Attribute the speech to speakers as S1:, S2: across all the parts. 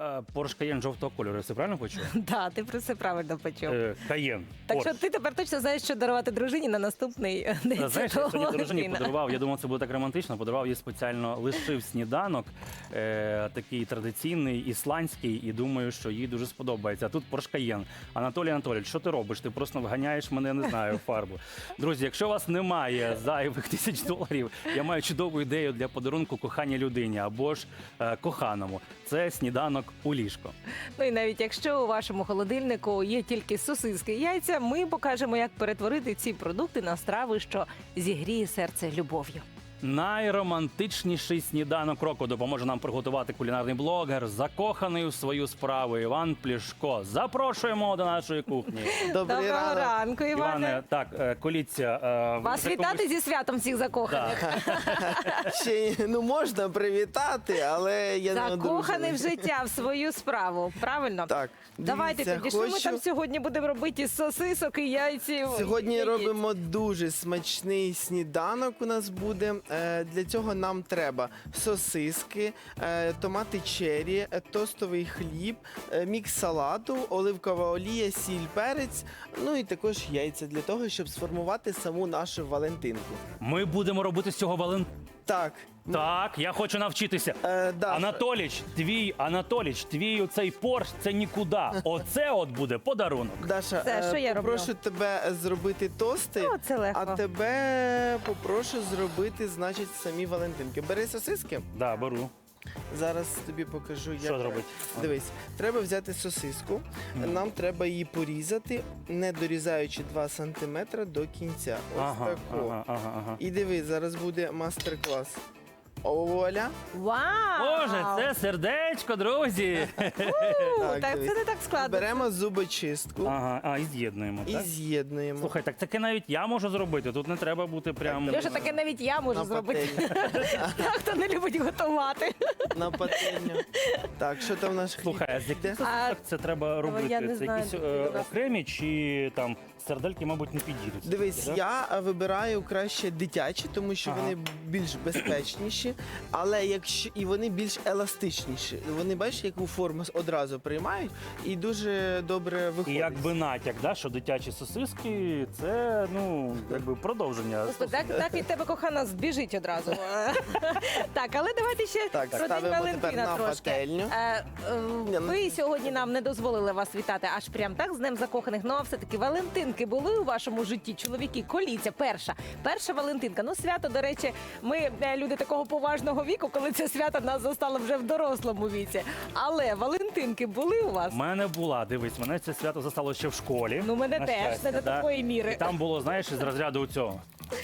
S1: Порш Каєн жовтого кольору, я все правильно почув?
S2: Так, ти про це правильно почув.
S1: Каєн.
S2: Так що ти тепер точно знаєш, що дарувати дружині на наступний день
S1: Знаєш, я
S2: Святого
S1: сьогодні дружині
S2: Валентина.
S1: подарував, я думав, це буде так романтично, подарував їй спеціально, лишив сніданок, такий традиційний, ісландський, і думаю, що їй дуже сподобається. А тут Порш Каєн. Анатолій Анатолійович, що ти робиш? Ти просто вганяєш мене, не знаю, в фарбу. Друзі, якщо у вас немає зайвих $1000, я маю чудову ідею для подарунку коханій людині або ж коханому. Це сніданок у ліжко.
S2: Ну і навіть якщо у вашому холодильнику є тільки сосиски і яйця, ми покажемо, як перетворити ці продукти на страви, що зігріє серце любов'ю.
S1: Найромантичніший сніданок року допоможе нам приготувати кулінарний блогер, закоханий у свою справу Іван Плішко. Запрошуємо до нашої кухні.
S2: Доброго ранку, Іване.
S1: Іване, так, коліться.
S2: Вас вітати зі святом всіх закоханих.
S3: Ще можна привітати, але я не
S2: Закоханий в
S3: одружений.
S2: життя, в свою справу, правильно?
S3: Так,
S2: Давайте
S3: дивіться,
S2: тоді, що ми
S3: хочу-
S2: там сьогодні будемо робити із сосисок і яйців?
S3: Сьогодні
S2: і яєць?
S3: робимо дуже смачний сніданок у нас буде. Для цього нам треба сосиски, томати черрі, тостовий хліб, мікс салату, оливкова олія, сіль, перець, ну і також яйця для того, щоб сформувати саму нашу Валентинку.
S1: Ми будемо робити з цього
S3: Так.
S1: Так, я хочу навчитися.
S3: Да.
S1: Анатоліч, твій оцей Порш – це нікуди. Оце от буде подарунок.
S3: Даша,
S2: Це що я роблю?
S3: попрошу тебе зробити тости,
S2: О, це легко.
S3: а тебе попрошу зробити, значить, самі Валентинки. Бери сосиски.
S1: Да, беру.
S3: Зараз тобі покажу, як.
S1: Що зробити?
S3: Дивись, треба взяти сосиску, нам треба її порізати, не дорізаючи 2 см до кінця. Ось тако.
S1: ага.
S3: І дивись, зараз буде мастер-клас. Оля.
S2: Вау!
S1: Боже, це сердечко, друзі.
S2: Так,
S3: дивись.
S2: це не так складно.
S3: Беремо зубочистку
S1: Ага, і з'єднуємо,
S3: і
S1: так?
S3: з'єднуємо.
S1: Слухай, так таке навіть я можу зробити. Тут не треба бути прям...
S2: Льоша, таке навіть я можу
S3: На
S2: зробити.
S3: пательню.
S2: Так, хто не любить готувати.
S3: На пательню. Так, що там наш хліб?
S1: Слухай, а з яких
S3: Йде?
S1: сосисок це треба робити?
S2: я не
S1: Це
S2: знаю,
S1: якісь
S2: ти додав.
S1: окремі чи там сердельки, мабуть, не підійдуть?
S3: Дивись,
S1: Да?
S3: я вибираю краще дитячі, тому що
S1: Ага.
S3: вони більш безпечніші, але якщо і вони більш еластичніші. Вони бачиш, яку форму одразу приймають і дуже добре
S1: І
S3: виходять.
S1: якби натяк, да, що дитячі сосиски – це, ну, якби продовження.
S2: Господи, так від тебе кохана збіжить одразу. Так, але давайте ще
S3: Так,
S2: про День
S3: ставимо тепер
S2: Валентина
S3: на
S2: трошки.
S3: пательню.
S2: Ви сьогодні нам не дозволили вас вітати аж прям так з Днем закоханих. Ну а все-таки Валентинки були у вашому житті? Чоловіки, коліться, перша Валентинка. Ну, свято, до речі, ми люди такого поважного віку, коли це свято нас застало вже в дорослому віці. Але Валентинки були у вас?
S1: У мене була, дивись, мене це свято застало ще в школі.
S2: Ну, мене
S1: на
S2: теж,
S1: щастя,
S2: не до
S1: да.
S2: такої міри.
S1: І там було, знаєш, із розряду цього.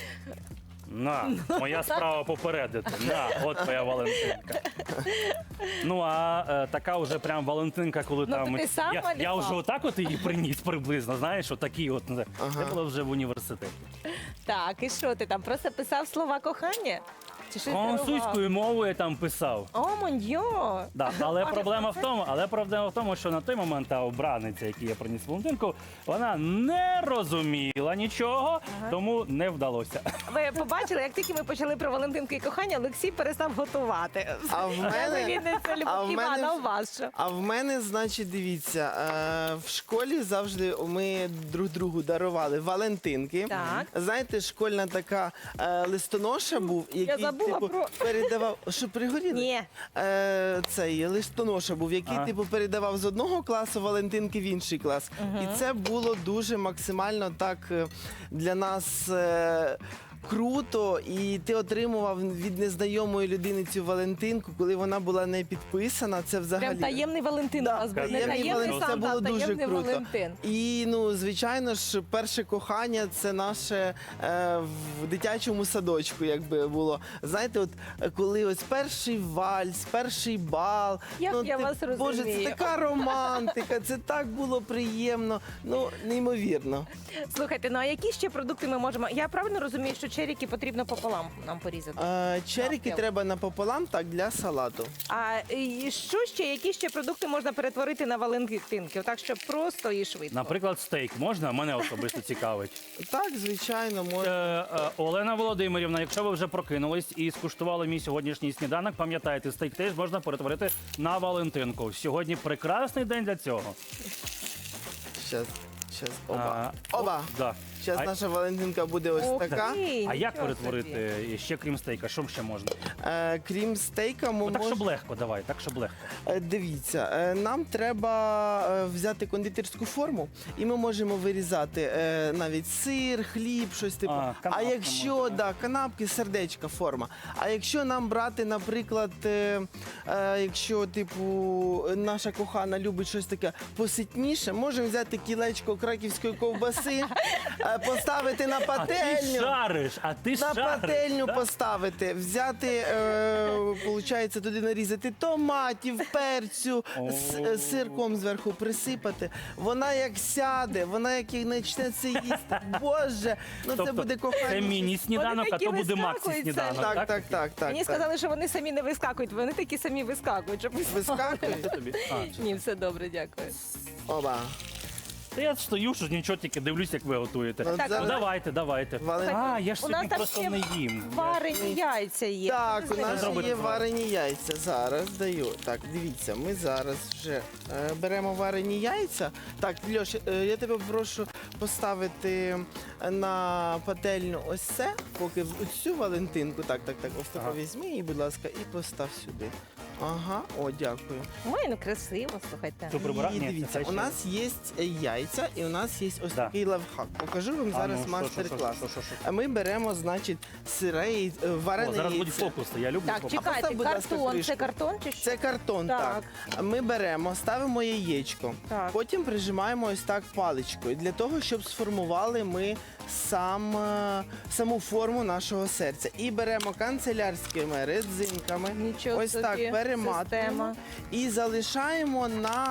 S1: На, моя справа попередити. На, от твоя Валентинка. Ну, а така вже прям Валентинка, коли
S2: Ну,
S1: там...
S2: то ти сам
S1: я
S2: малював?
S1: вже отак от її приніс приблизно, знаєш, отакі от. Це було вже в університеті.
S2: Так, і що ти там? Просто писав слова кохання? Чи щось дарував?
S1: Французькою мовою я там писав.
S2: О, моньо!
S1: Да, але проблема в тому, що на той момент та обраниця, яку я приніс Валентинку, вона не розуміла нічого, тому не вдалося.
S2: Ви побачили, як тільки ми почали про Валентинку і кохання, Олексій перестав готувати.
S3: А в мене-
S2: Це
S3: а
S2: Любов
S3: в
S2: Івана,
S3: мене-
S2: у вас що?
S3: А в мене, значить, дивіться, в школі завжди ми друг другу дарували Валентинки.
S2: Так.
S3: Знаєте, школьна така листоноша був, який
S2: забула про-
S3: передавав. Що пригоріли?
S2: Ні.
S3: Цей листоноша був, який
S1: Ага.
S3: передавав з одного класу Валентинки в інший клас. І це було дуже максимально так для нас. Круто, і ти отримував від незнайомої людини цю Валентинку, коли вона була не підписана. Це взагалі
S2: Прям таємний Валентин у вас був. Не
S1: таємний
S2: таємний
S1: Валентин,
S3: це
S2: Санта,
S3: було
S2: а
S3: дуже
S2: таємний
S3: круто.
S2: Валентин.
S3: І ну, звичайно ж, перше кохання це наше в дитячому садочку, якби було. Знаєте, от коли ось перший вальс, перший бал.
S2: Як
S3: ну,
S2: я вас
S3: Боже,
S2: розумію.
S3: це така романтика, це так було приємно. Ну, неймовірно.
S2: Слухайте, ну а які ще продукти ми можемо? Я правильно розумію, що черіки потрібно пополам нам порізати.
S3: Черіки
S2: Навпіл.
S3: треба напополам, так, для салату.
S2: А і що ще, які ще продукти можна перетворити на валентинки? Так, щоб просто і швидко.
S1: Наприклад, стейк можна? Мене особисто цікавить.
S3: Так, звичайно, можна.
S1: Олена Володимирівна, якщо ви вже прокинулись і скуштували мій сьогоднішній сніданок, пам'ятайте, стейк теж можна перетворити на Валентинку. Сьогодні прекрасний день для цього.
S3: Щас, оба. Оба.
S1: Да.
S3: Зараз наша Валентинка буде ось
S2: Ох
S3: така.
S2: ти,
S1: А як
S2: нічого
S1: перетворити
S2: собі.
S1: ще крім стейка? Що ще можна?
S3: Крім стейка, ми
S1: Ну, так, щоб
S3: можемо...
S1: легко, давай, так, щоб легко.
S3: Дивіться, нам треба взяти кондитерську форму, і ми можемо вирізати навіть сир, хліб, щось типу.
S1: А,
S3: А
S1: канапки
S3: якщо
S1: можна.
S3: да, канапки, сердечка форма. А якщо нам брати, наприклад, якщо типу наша кохана любить щось таке поситніше, можемо взяти кілечко краківської ковбаси, поставити на
S1: А ти
S3: пательню.
S1: шариш, а ти
S3: На
S1: шариш.
S3: пательню
S1: да?
S3: поставити, взяти, получається, туди нарізати томатів, перцю, сирком зверху присипати. Вона як сяде, вона як і почне це їсти. Боже, ну це
S1: Тобто,
S3: буде кохання.
S1: це міні-сніданок,
S2: Вони
S1: а
S2: такі
S1: то буде
S2: вискакують,
S1: максі-сніданок,
S3: Так, так, так, так.
S2: Мені
S3: так.
S2: сказали, що вони самі не вискакують, вони такі самі вискакують. Щоб...
S3: Вискакують?
S1: Це тобі? А,
S2: Ні, все добре, дякую.
S3: Оба.
S1: Та я стою, що нічого, тільки дивлюсь, як ви готуєте.
S3: Ну,
S2: Так,
S3: зараз-
S1: Ну давайте, давайте.
S3: Валентин-
S1: А, я ж
S2: У нас
S1: собі
S2: там
S1: просто
S2: ще
S1: не їм.
S2: Варені яйця є.
S3: Так,
S2: Що
S3: у
S2: з ними
S3: нас
S1: зробити
S3: є
S1: з
S3: варені яйця. Зараз даю. Так, дивіться, ми зараз вже беремо варені яйця. Так, Льош, я тебе прошу поставити на пательню ось це, поки цю Валентинку. Так, ось таку
S1: Ага.
S3: візьми її, будь ласка, і постав сюди. Ага, о, дякую.
S2: Ой, ну красиво, слухайте.
S1: Це прибирати?
S3: І
S1: Ні, це
S3: дивіться,
S1: ще-
S3: у нас є яйця і у нас є ось
S1: Да.
S3: такий лайфхак. Покажу вам
S1: А,
S3: зараз
S1: ну, що,
S3: мастер-клас.
S1: що?
S3: А ми беремо, значить, сире варене
S1: О, зараз будуть
S3: яйце.
S1: фокуси, я люблю
S2: Так,
S1: фокуси.
S2: чекайте,
S3: постав, будь ласка,
S2: картон.
S3: кришку.
S2: Це картон чи що?
S3: Це картон,
S2: Так.
S3: так. Ми беремо, ставимо яєчко,
S2: Так.
S3: потім прижимаємо ось так паличкою для того, щоб сформували ми саму форму нашого серця. І беремо канцелярськими резинками,
S2: Нічого
S3: ось
S2: собі,
S3: так перематуємо
S2: система.
S3: і залишаємо на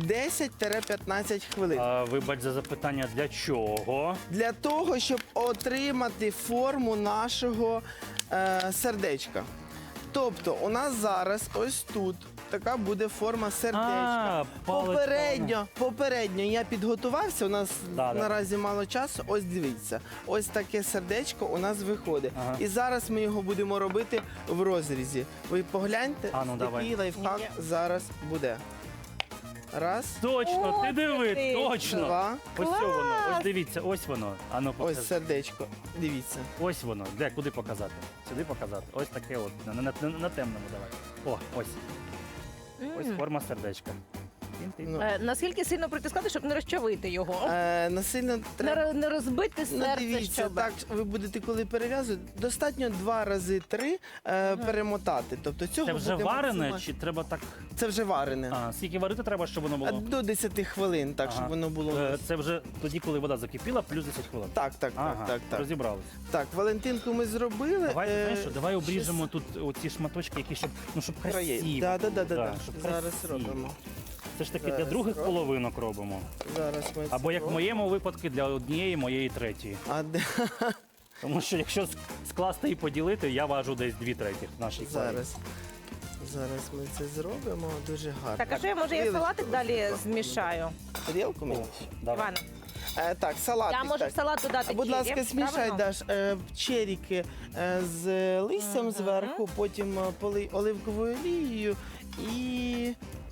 S3: 10-15 хвилин.
S1: Вибач за запитання, для чого?
S3: Для того, щоб отримати форму нашого сердечка. Тобто у нас зараз ось тут така буде форма сердечка. Попередньо я підготувався, у нас
S1: Да.
S3: наразі мало часу. Ось дивіться, ось таке сердечко у нас виходить.
S1: Ага.
S3: І зараз ми його будемо робити в розрізі. Ви погляньте,
S1: А, ну, давай.
S3: який лайфхак
S2: Ні.
S3: зараз буде. Раз,
S1: Точно, ти
S2: О,
S1: диви,
S2: ти.
S1: точно.
S3: два,
S1: Ось
S2: Клас!
S1: воно, ось дивіться, ось воно. А ну, покажи.
S3: ось сердечко. Дивіться.
S1: Ось воно. Де, куди показати? Сюди показати. Ось таке от. На темному давай. О, ось. Ось форма сердечка. Тин-тин.
S3: Ну,
S2: Наскільки сильно притискати, щоб не розчавити його?
S3: насильно треба.
S2: Не розбити
S3: Ну,
S2: серце,
S3: дивіться,
S2: щоб...
S3: так ви будете, коли перев'язувати, достатньо 2 рази 3 перемотати. Тобто цього
S1: Це вже
S3: буде
S1: варене
S3: максимально.
S1: чи треба так?
S3: Це вже варене.
S1: А, скільки варити треба, щоб воно було?
S3: До 10 хвилин, так, щоб
S1: Ага.
S3: воно було.
S1: Це вже тоді, коли вода закипіла, плюс 10 хвилин.
S3: Так, так,
S1: Ага,
S3: так.
S1: розібрались.
S3: Так, Валентинку ми зробили.
S1: Давай, знаєш що, давай
S3: щось-
S1: обріжемо тут оці шматочки, які щоб, ну, щоб
S3: краї.
S1: красиво.
S3: Да.
S1: щоб
S3: Зараз
S1: красиво.
S3: робимо.
S1: Це ж таки для
S3: Зараз
S1: других
S3: робимо.
S1: половинок робимо.
S3: Зараз ми
S1: Або
S3: це
S1: як в
S3: робимо.
S1: моєму випадку для однієї, моєї третьої.
S3: А де?
S1: Тому що якщо скласти і поділити, я важу десь 2/3 нашої
S3: Зараз ми це зробимо дуже гарно.
S2: Так, а що я, може, я
S3: Тарілочку
S2: салатик далі
S3: ось
S2: змішаю?
S3: Тарілку мені?
S1: Давай.
S2: Івана,
S3: Так, салатик.
S2: я можу
S3: так.
S2: в салат додати
S3: Будь
S2: чері,
S3: ласка, смішай,
S2: правильно?
S3: Даш, черіки з листям зверху, потім полий оливковою олією і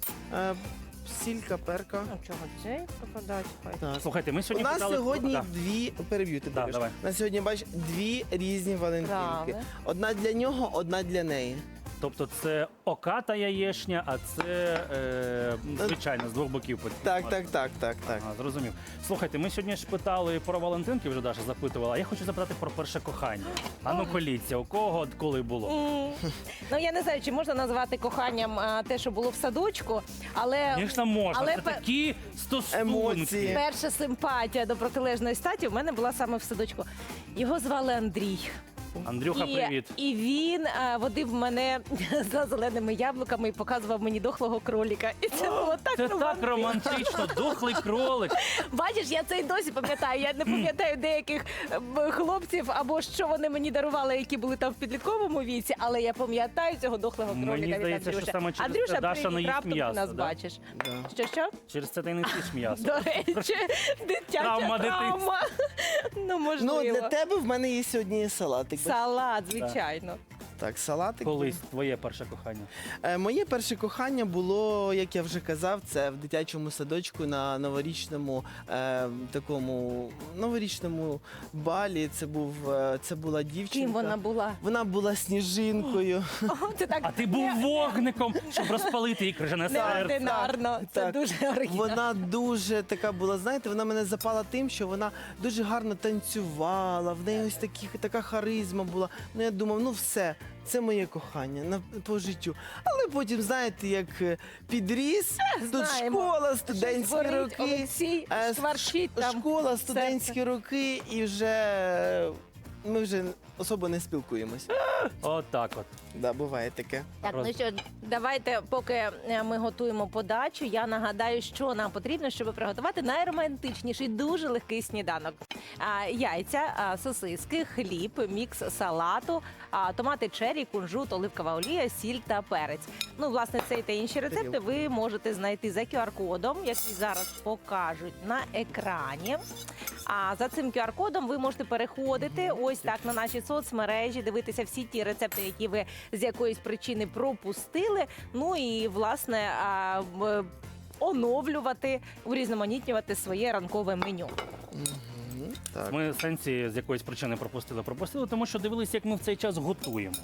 S3: сілька, перка.
S2: Ну, чого цей попадать? Хай.
S3: Так.
S1: Слухайте, ми
S3: У
S1: сьогодні
S3: нас
S1: питали...
S3: сьогодні
S1: Да.
S3: дві переб'юти.
S1: Да, давай.
S3: На сьогодні бачиш дві різні Валентинки.
S2: Правильно.
S3: Одна для нього, одна для неї.
S1: Тобто це оката яєшня, а це звичайно з двох боків.
S3: Так.
S1: Ага, зрозумів. Слухайте, ми сьогодні ж питали про Валентинки, вже Даша запитувала. А я хочу запитати про перше кохання. А ну коліться, у кого коли було?
S2: Ну, я не знаю, чи можна назвати коханням те, що було в садочку, але
S1: Звісно, можна.
S2: але
S1: Це
S2: пе-
S1: такі стосунки.
S3: Емоції.
S2: перша симпатія до протилежної статі в мене була саме в садочку. Його звали Андрій.
S1: Андрюха, привіт.
S2: І він водив мене за зеленими яблуками і показував мені дохлого кроліка. І це було так
S1: Це так романтично, дохлий кролик.
S2: Бачиш, я це й досі пам'ятаю. Я не пам'ятаю деяких хлопців або що вони мені дарували, які були там в підлітковому віці, але я пам'ятаю цього дохлого кроліка.
S1: Мені
S2: від
S1: здається, що
S2: Андрюші.
S1: саме через
S2: Андрюша,
S1: це Даша не
S2: привіт,
S1: їсть
S2: раптом ти
S1: м'ясо,
S2: нас
S1: да?
S2: бачиш.
S3: Да.
S2: Що?
S1: Через це ти не їш м'ясо.
S2: До речі, дитяча
S1: Травма
S2: травма. Ну, можливо.
S3: Ну, для тебе в мене є сьогодні салатик.
S2: Салат, звичайно.
S3: Так, салатик.
S1: Колись твоє перше кохання.
S3: Моє перше кохання було, як я вже казав, це в дитячому садочку на новорічному такому новорічному балі. Це була дівчинка.
S2: Ким вона була?
S3: Вона була сніжинкою.
S2: О, це так
S1: А ти був вогником, щоб розпалити її крижане серце.
S2: неординарно. Це
S3: Так.
S2: дуже оригінально.
S3: Вона дуже така була, знаєте, вона мене запала тим, що вона дуже гарно танцювала, в неї ось така харизма була. Ну я думав, ну все, це моє кохання по життю. Але потім, знаєте, як підріс, тут
S2: знаємо.
S3: школа, студентські
S2: Щось горить,
S3: роки.
S2: Олексій шкварчить там
S3: Школа, студентські роки, і вже ми вже особо не спілкуємося.
S1: Отак от.
S3: Да, буває таке.
S2: Так, ну що, давайте, поки ми готуємо подачу, я нагадаю, що нам потрібно, щоб приготувати найромантичніший, дуже легкий сніданок. Яйця, сосиски, хліб, мікс салату, томати черрі, кунжут, оливкова олія, сіль та перець. Ну, власне, цей та інші рецепти ви можете знайти за QR-кодом, який зараз покажуть на екрані. А за цим QR-кодом ви можете переходити ось так на наші соцмережі, дивитися всі ті рецепти, які ви з якоїсь причини пропустили. Ну і власне оновлювати, урізноманітнювати своє ранкове меню.
S3: Так.
S1: Ми сенсі з якоїсь причини пропустили, тому що дивилися, як ми в цей час готуємо.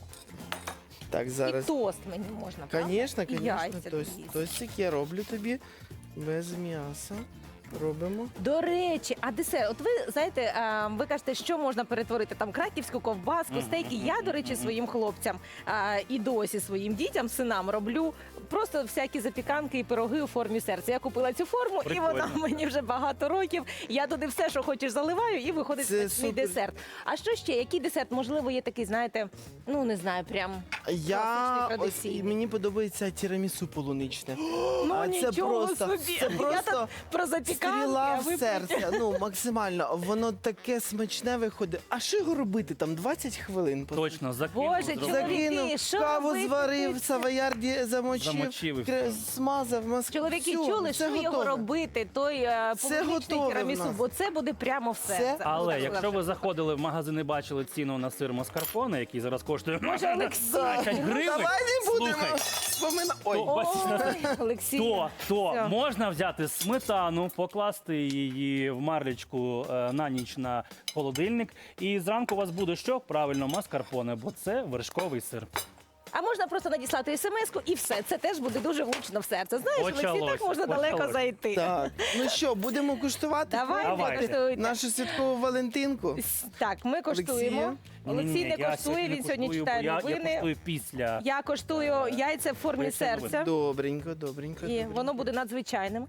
S3: Так, зараз.
S2: І тост мені можна, правда?
S3: Звісно,
S2: І яйця
S3: звісно.
S2: доїсти.
S3: Тостик я роблю тобі без м'яса. Робимо.
S2: До речі, а десерт, от ви знаєте, ви кажете, що можна перетворити там краківську ковбаску, стейки. Я, до речі, своїм хлопцям і досі своїм дітям, синам роблю просто всякі запіканки і пироги у формі серця. Я купила цю форму, і вона
S1: Прикольно.
S2: мені вже багато років. Я туди все, що хочеш, заливаю, і виходить
S3: Це
S2: смачний
S3: супер.
S2: десерт. А що ще? Який десерт? Можливо, є такий, знаєте, ну не знаю, прям
S3: Я
S2: класичний,
S3: ось
S2: традиційний.
S3: мені подобається тірамісу полуничне.
S2: Ну,
S3: А
S2: нічого собі.
S3: це
S2: Я
S3: просто
S2: так про запіканки,
S3: стріла
S2: а
S3: в
S2: ви
S3: серце. Ну максимально. Воно таке смачне виходить. А що його робити? Там 20 хвилин.
S1: Точно, закинув.
S2: Боже,
S1: зробив.
S2: чоловіки,
S3: Закинув,
S2: що
S3: каву
S2: робити?
S3: зварив, савоярді замочив,
S1: Замочив і
S3: смазав.
S2: Чоловіки,
S3: Всьо,
S2: чули,
S3: все
S2: що його
S3: готове.
S2: робити, той полуничний
S3: готове в
S2: тірамісу,
S3: нас.
S2: бо це буде прямо в серце. Ну,
S1: Але
S2: так,
S1: якщо ви заходили в магазин і бачили ціну на сир маскарпоне, який зараз коштує
S2: Може, Олексій?
S1: 20 гривень,
S3: Давай не будемо
S1: слухай,
S3: споминати. Ой,
S1: То- бачиш,
S2: Ой, Олексій.
S1: то
S2: Все.
S1: можна взяти сметану, покласти її в марлечку на ніч на холодильник, і зранку у вас буде що? Правильно, маскарпоне, бо це вершковий сир.
S2: А можна просто надіслати смс-ку і все. Це теж буде дуже влучно в серце. Знаєш, Олексій, так
S1: Почалося,
S2: можна далеко
S1: почалося.
S2: зайти.
S3: так. Ну що, будемо куштувати?
S2: Давайте,
S1: Давайте.
S2: коштуйте.
S3: Нашу святкову Валентинку.
S2: Так, ми коштуємо.
S3: Олексія?
S2: Олексій не
S1: я
S2: коштує, він сьогодні
S1: коштую,
S2: читає
S1: бо я
S2: новини.
S1: коштую після.
S2: Я коштую яйця в формі
S1: Поясни новини.
S2: серця.
S3: Добренько, добренько.
S2: І
S3: добренько.
S2: воно буде надзвичайним.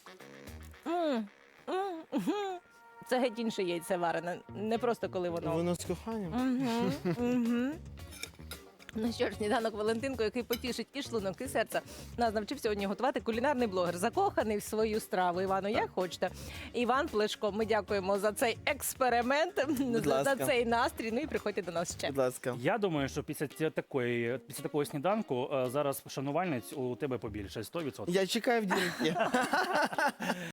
S2: Мгм. Це геть інше яйце варене, не просто коли воно.
S3: Воно з коханням.
S2: Мгм. Ну що ж, сніданок Валентинко, який потішить і шлунок, і серце. Нас навчив сьогодні готувати кулінарний блогер, закоханий в свою страву. Івану, як хочете. Іван Плешко, ми дякуємо за цей експеримент, за
S3: ласка.
S2: цей настрій. Ну і приходьте до нас ще.
S3: Будь ласка.
S1: Я думаю, що після такого сніданку зараз шанувальниць у тебе побільше 100%.
S3: Я чекаю в дірки.